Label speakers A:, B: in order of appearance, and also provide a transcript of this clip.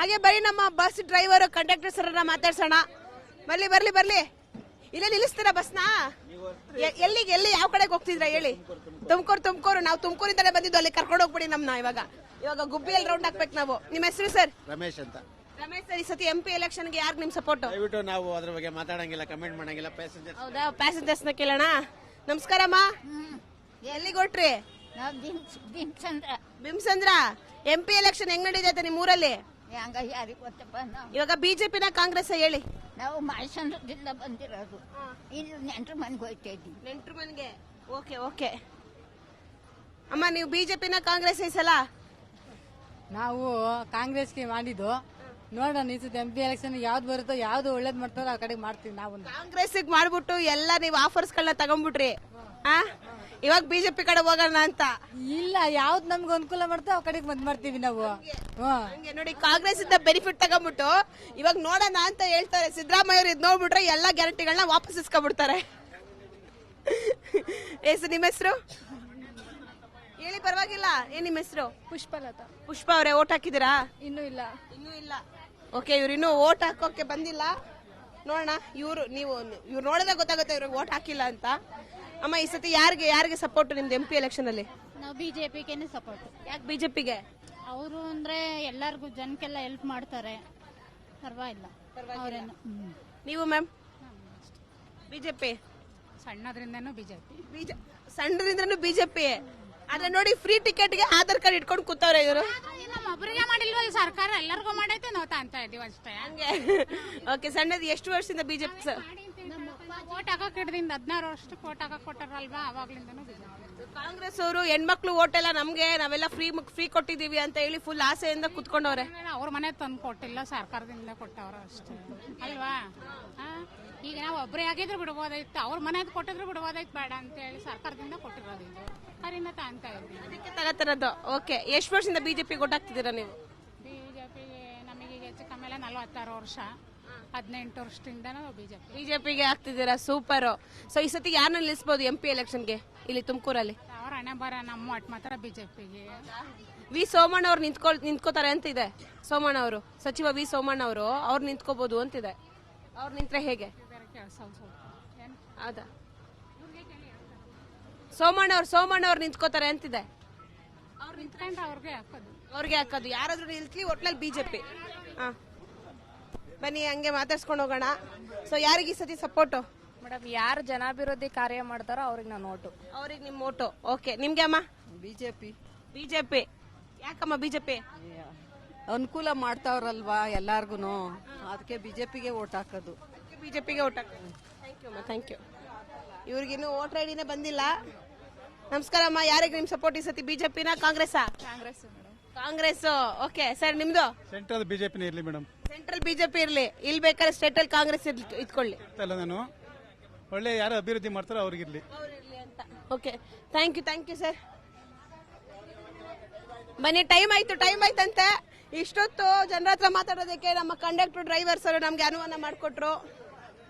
A: ಹಾಗೆ ಬರೀ ನಮ್ಮ ಬಸ್ ಡ್ರೈವರ್ ಕಂಡಕ್ಟರ್ ಸರ್ ಮಾತಾಡ್ಸೋಣ. ಬರ್ಲಿ ಬರ್ಲಿ ಬರ್ಲಿ, ಇಲ್ಲೇ ನಿಲ್ಲಿಸ್ತೀರಾ ಬಸ್ನ? ಎಲ್ಲಿಗೆ, ಎಲ್ಲಿ ಯಾವ ಕಡೆಗೆ ಹೋಗ್ತಿದ್ರ ಹೇಳಿ? ತುಮಕೂರು. ನಾವು ತುಮಕೂರಿಂದಲೇ ಬಂದಿದ್ದು, ಅಲ್ಲಿ ಕರ್ಕೊಂಡು ಹೋಗ್ಬಿಡಿ ನಮ್ನ. ಇವಾಗ ಗುಬ್ಬಿಯಲ್ಲಿ ರೌಂಡ್ ಹಾಕ್ಬೇಕು ನಾವು. ನಿಮ್ಮ ಹೆಸರು ಸರ್?
B: ರಮೇಶ್ ಅಂತ.
A: ರಮೇಶ್ ಸರ್, ಈ ಸತಿ MP ಎಲೆಕ್ಷನ್ಗೆ ಯಾರು ನಿಮ್ ಸಪೋರ್ಟ್?
B: ದಯವಿಟ್ಟು ನಾವು ಅದ್ರ ಬಗ್ಗೆ ಮಾತಾಡಂಗಿಲ್ಲ, ಕಮೆಂಟ್ ಮಾಡಂಗಿಲ್ಲ. ಪ್ಯಾಸೆಂಜರ್.
A: ಹೌದಾ, ಪ್ಯಾಸೆಂಜರ್ಸ್ ನ ಕೇಳೋಣ. ನಮಸ್ಕಾರಮ್ಮ, ಎಲ್ಲಿಗೆ ಹೊಟ್ರಿ? ಬಿಮ್ಸಂದ್ರ. MP ಎಲೆಕ್ಷನ್ ಹೆಂಗ್ ನಡೀತೈತೆ ನಿಮ್ ಊರಲ್ಲಿ? ಇವಾಗ ಬಿಜೆಪಿನ ಕಾಂಗ್ರೆಸ್ ಹೇಳಿ?
C: ನಾವು ಮೈಸೂರಿಂದ ಬಂದಿರೋದು, ಇಲ್ಲಿ ನೆಂಟ್ರ ಮನೆಗೆ ಹೋಗ್ತಾ ಇದ್ದೀವಿ.
A: ನೆಂಟ್ರ ಮನೆಗೆ? Okay okay. ಅಮ್ಮ, ನೀವು ಬಿಜೆಪಿನ ಕಾಂಗ್ರೆಸ್ ಈ ಸಲ?
D: ನಾವು ಕಾಂಗ್ರೆಸ್ಗೆ ಮಾಡಿದ್ದು. ನೋಡೋಣ ಈ ಸತಿ MP ಎಲೆಕ್ಷನ್ ಯಾವ್ದು ಬರುತ್ತೋ, ಯಾವ್ದು ಒಳ್ಳೇದ್ ಮಾಡ್ತಾರೋ ಆ ಕಡೆಗೆ ಮಾಡ್ತೀವಿ ನಾವು.
A: ಕಾಂಗ್ರೆಸ್ ಮಾಡ್ಬಿಟ್ಟು ಎಲ್ಲ ನೀವು ಆಫರ್ಸ್ ಗಳನ್ನ ತಗೊಂಡ್ಬಿಟ್ರಿ. ಇವಾಗ ಬಿಜೆಪಿ ಕಡೆ ಹೋಗೋಣ ಅಂತ?
D: ಇಲ್ಲ, ಯಾವ್ದು ನಮ್ಗೆ ಅನುಕೂಲ ಮಾಡ್ತೋ ಆ ಕಡೆಗೆ ಬಂದ್ ಮಾಡ್ತೀವಿ ನಾವು.
A: ಹಂಗೆ ನೋಡಿ, ಕಾಂಗ್ರೆಸ್ ಇಂದ ಬೆನಿಫಿಟ್ ತಗೊಂಡ್ಬಿಟ್ಟು ಇವಾಗ ನೋಡೋಣ ಅಂತ ಹೇಳ್ತಾರೆ. ಸಿದ್ದರಾಮಯ್ಯ ಅವ್ರು ಇದ್ ನೋಡ್ಬಿಟ್ರೆ ಎಲ್ಲಾ ಗ್ಯಾರಂಟಿಗಳನ್ನ ವಾಪಸ್ ಇಸ್ಕೊಂಡ್ಬಿಡ್ತಾರೆ. ನಿಮ್ಮ ಹೆಸರು ಹೇಳಿ? ಪರವಾಗಿಲ್ಲ. ಏನ್ ನಿಮ್ಮ ಹೆಸರು?
E: ಪುಷ್ಪಲತಾ.
A: ಪುಷ್ಪ ಅವರೇ, ಓಟ್ ಹಾಕಿದಿರಾ?
E: ಇನ್ನೂ ಇಲ್ಲ.
A: ಓಕೆ, ಇವ್ರು ಇನ್ನೂ ಓಟ್ ಹಾಕೋಕೆ ಬಂದಿಲ್ಲ. ನೋಡೋಣ, ನೀವು ನೋಡಿದ್ರೆ ಗೊತ್ತಾಗುತ್ತೆ ಇವ್ರಿಗೆ ಓಟ್ ಹಾಕಿಲ್ಲ ಅಂತ. ಅಮ್ಮ, ಈ ಸತಿ ಯಾರಿಗೆ ಸಪೋರ್ಟ್ ನಿಮ್ದು MP ಎಲೆಕ್ಷನ್ ಅಲ್ಲಿ?
F: ನಾವು ಬಿಜೆಪಿಗೆ ಸಪೋರ್ಟ್.
A: ಯಾಕೆ ಬಿಜೆಪಿಗೆ?
F: ಅವರು ಅಂದ್ರೆ ಎಲ್ಲರಿಗೂ ಜನಕ್ಕೆಲ್ಲ ಹೆಲ್ಪ್ ಮಾಡ್ತಾರೆ, ಪರವಾಗಿಲ್ಲ.
A: ನೀವು ಮ್ಯಾಮ್? ಬಿಜೆಪಿ.
D: ಸಣ್ಣದ್ರಿಂದನೂ ಬಿಜೆಪಿ.
A: ಸಣ್ಣದ್ರಿಂದನೂ ಬಿಜೆಪಿ. ಆದ್ರೆ ನೋಡಿ, ಫ್ರೀ ಟಿಕೆಟ್ಗೆ ಆಧಾರ್ ಕಾರ್ಡ್ ಇಟ್ಕೊಂಡು ಕೂತವ್ರೆ ಇವರು.
F: ಒಬ್ಬರಿಗೆ ಮಾಡಿಲ್ವಲ್ಲ ಸರ್ಕಾರ, ಎಲ್ಲರಿಗೂ ಮಾಡೈತೆ, ನಾವು ತಾಂತ ಇದೀವಿ ಅಷ್ಟೇ.
A: ಹಂಗೆ. ಓಕೆ, ಸಣ್ಣದು ಎಷ್ಟು ವರ್ಷದಿಂದ ಬಿಜೆಪಿ ಸರ್?
F: ಓಟ್ ಹಾಕಕ್ ಹಿಡ್ದಿಂದ 16 ವರ್ಷಕ್ಕೆ ಓಟ್ ಹಾಕಕ್ ಕೊಟ್ಟಾರಲ್ವಾ, ಅವಾಗ್ಲಿಂದನೂ ಬಿಜೆಪಿ.
A: ಕಾಂಗ್ರೆಸ್ ಅವರು ಹೆಣ್ಮಕ್ಳು ಓಟ್ ಎಲ್ಲ ನಮ್ಗೆ, ನಾವೆಲ್ಲ ಫ್ರೀ ಕೊಟ್ಟಿದೀವಿ ಅಂತ ಹೇಳಿ ಫುಲ್ ಆಸೆಯಿಂದ ಕುತ್ಕೊಂಡವ್ರೆ.
F: ಅವ್ರ ಮನೆ ತಂದು ಕೊಟ್ಟಿಲ್ಲ, ಸರ್ಕಾರದಿಂದ ಕೊಟ್ಟವ್ರ ಅಷ್ಟೇ ಅಲ್ವಾ. ಈಗ ನಾವು ಒಬ್ಬರೇ ಆಗಿದ್ರು ಬಿಡ್ಬೋದಾಯ್ತು, ಅವ್ರ ಮನೆದ್ ಕೊಟ್ಟಿದ್ರು ಬಿಡ್ಬೋದಾಯ್ತು, ಬೇಡ ಅಂತ ಹೇಳಿ ಸರ್ಕಾರದಿಂದ ಕೊಟ್ಟಿರೋದು. ಇದು ಅದರಿಂದ ತಾಂತ ಇದ್ದೀವಿ,
A: ಅದಕ್ಕೆ ತಗತ್ತಿರೋದು. ಓಕೆ, ಎಷ್ಟು ವರ್ಷದಿಂದ ಬಿಜೆಪಿ ಗೊತ್ತಾಗ್ತಿದ್ದೀರಾ ನೀವು?
F: ಬಿಜೆಪಿಗೆ ನಮಗೆ ಹೆಚ್ಚು ಕಮ್ಮಿ 46 ವರ್ಷ, 18 ವರ್ಷದಿಂದ ನಾವು
A: ಬಿಜೆಪಿಗೆ ಆಗ್ತಿದ್ದೀರಾ. ಸೂಪರ್. ಸೊ ಈ ಸತಿ ಯಾರನ್ನ ನಿಲ್ಲಿಸಬಹುದು MP ಎಲೆಕ್ಷನ್ಗೆ ಇಲ್ಲಿ ತುಮಕೂರಲ್ಲಿ?
F: ಅವ್ರ ಹಣೆ ಬರ ನಮ್ಮ ಒಟ್ಟು ಮಾತ್ರ ಬಿಜೆಪಿಗೆ.
A: ವಿ ಸೋಮಣ್ಣ ಅವ್ರು ನಿಂತ್ಕೋತಾರೆ ಅಂತಿದೆ. ಸೋಮಣ್ಣ ಅವರು, ಸಚಿವ ವಿ ಸೋಮಣ್ಣ ಅವರು, ಅವ್ರು ನಿಂತ್ಕೋಬಹುದು ಅಂತಿದೆ. ಅವ್ರು ನಿಂತ್ರೆ ಹೇಗೆ? ಹೌದಾ? ಸೋಮಣ್ಣ ಅವ್ರು ನಿಂತ್ಕೋತಾರೆ ಅಂತಿದೆ. ಅವ್ರಿಗೆ ಹಾಕೋದು. ಯಾರಾದ್ರೂ ನಿಲ್ತಿ, ಒಟ್ನಲ್ಲಿ ಬಿಜೆಪಿ. ಬನ್ನಿ, ಹಂಗೆ ಮಾತಾಡ್ಸ್ಕೊಂಡು ಹೋಗೋಣ. ಸೊ ಯಾರಿಗೆ ಈ ಸತಿ ಸಪೋರ್ಟು?
E: ಮೇಡಮ್, ಯಾರು ಜನಾಭಿವೃದ್ಧಿ ಕಾರ್ಯ ಮಾಡ್ತಾರೋ ಅವ್ರಿಗೆ ನಾನು ಓಟು.
A: ಅವ್ರಿಗೆ ನಿಮ್ಮ ಓಟು. ಓಕೆ, ನಿಮ್ಗೆ ಅಮ್ಮ? ಬಿಜೆಪಿ. ಯಾಕಮ್ಮ ಬಿಜೆಪಿ?
G: ಅನುಕೂಲ ಮಾಡ್ತಾವ್ರಲ್ವಾ ಎಲ್ಲಾರ್ಗುನು, ಅದಕ್ಕೆ ಬಿಜೆಪಿಗೆ ಓಟ್ ಹಾಕೋದು.
A: ಬಿಜೆಪಿಗೆ ಓಟ್ ಹಾಕೋದು. Thank you. ಇವ್ರಿಗಿನ್ನೂ ವೋಟರ್ ಐಡಿನೇ ಬಂದಿಲ್ಲ. ನಮಸ್ಕಾರ ಅಮ್ಮ, ಯಾರಿಗೆ ನಿಮ್ ಸಪೋರ್ಟ್ ಈ ಸತಿ? ಬಿಜೆಪಿನ ಕಾಂಗ್ರೆಸ್ಸಾ? ಕಾಂಗ್ರೆಸ್. ಓಕೆ ಸರ್, ನಿಮ್ದು?
H: ಸೆಂಟ್ರಲ್ ಬಿಜೆಪಿನೇ ಇರ್ಲಿ ಮೇಡಮ್.
A: ಸೆಂಟ್ರಲ್ ಬಿಜೆಪಿ ಇರ್ಲಿ. ಇಲ್ಲಿ ಬೇಕಾದ್ರೆ ಸ್ಟೇಟ್ ಅಲ್ಲಿ ಕಾಂಗ್ರೆಸ್ ಇಟ್ಕೊಳ್ಳಿ.
H: ನಾನು ಒಳ್ಳೆ ಯಾರು ಅಭಿವೃದ್ಧಿ ಮಾಡ್ತಾರೋ ಅವ್ರಿಗಿರ್ಲಿ.
A: Okay, thank you sir. ಬನ್ನಿ, ಟೈಮ್ ಆಯ್ತಂತೆ. ಇಷ್ಟೊತ್ತು ಜನರ ಹತ್ರ ಮಾತಾಡೋದಕ್ಕೆ ನಮ್ಮ ಕಂಡಕ್ಟರ್ ಡ್ರೈವರ್ಸ್ ಅವರು ನಮ್ಗೆ ಅನುವಾದ ಮಾಡಿಕೊಟ್ರು.